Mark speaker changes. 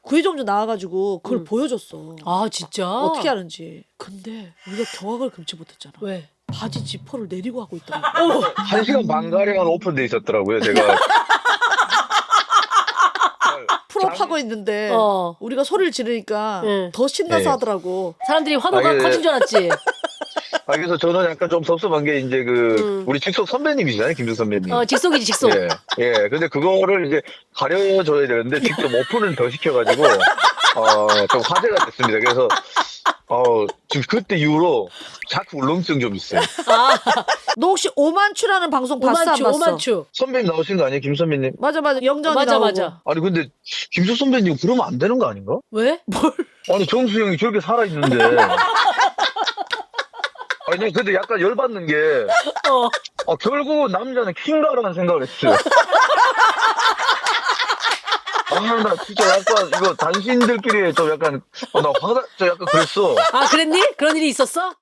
Speaker 1: 구의정주 나와가지고 그걸 보여줬어.
Speaker 2: 아 진짜?
Speaker 1: 어떻게 하는지. 근데 우리가 경악을 금치 못했잖아.
Speaker 2: 왜?
Speaker 1: 바지 지퍼를 내리고 하고 있더라고.
Speaker 3: 1시간 반 가량 오픈돼 있었더라고요. 제가
Speaker 1: 풀업하고 있는데 우리가 소리를 지르니까
Speaker 2: 응.
Speaker 1: 더 신나서
Speaker 3: 네.
Speaker 1: 하더라고.
Speaker 2: 사람들이 환호가
Speaker 3: 아, 예.
Speaker 2: 커진 줄 알았지.
Speaker 3: 그래서 저는 약간 좀 섭섭한 게 이제 우리 직속 선배님이시잖아요, 김준 선배님.
Speaker 2: 직속이지 직속.
Speaker 3: 예, 예. 근데 그거를 이제 가려줘야 되는데 직접 오픈을 더 시켜가지고 좀 화제가 됐습니다. 그래서 지금 그때 이후로 자꾸 울렁증 좀 있어요.
Speaker 1: 너 혹시 오만추라는 방송 봤어 안
Speaker 2: 오만추
Speaker 1: 봤어?
Speaker 2: 오만추.
Speaker 3: 선배님 나오신 거 아니에요, 김 선배님?
Speaker 1: 맞아 영전이
Speaker 2: 맞아
Speaker 1: 나오고.
Speaker 2: 맞아.
Speaker 3: 아니 근데 김수 선배님 그러면 안 되는 거 아닌가?
Speaker 2: 왜? 뭘?
Speaker 3: 아니 정수영이 저렇게 살아 있는데. 아니 근데 약간 열받는 게 결국은 남자는 킹가라는 생각을 했어요. 나 진짜 약간 이거 단신들끼리 좀 약간 저 약간 그랬어.
Speaker 2: 아 그랬니? 그런 일이 있었어?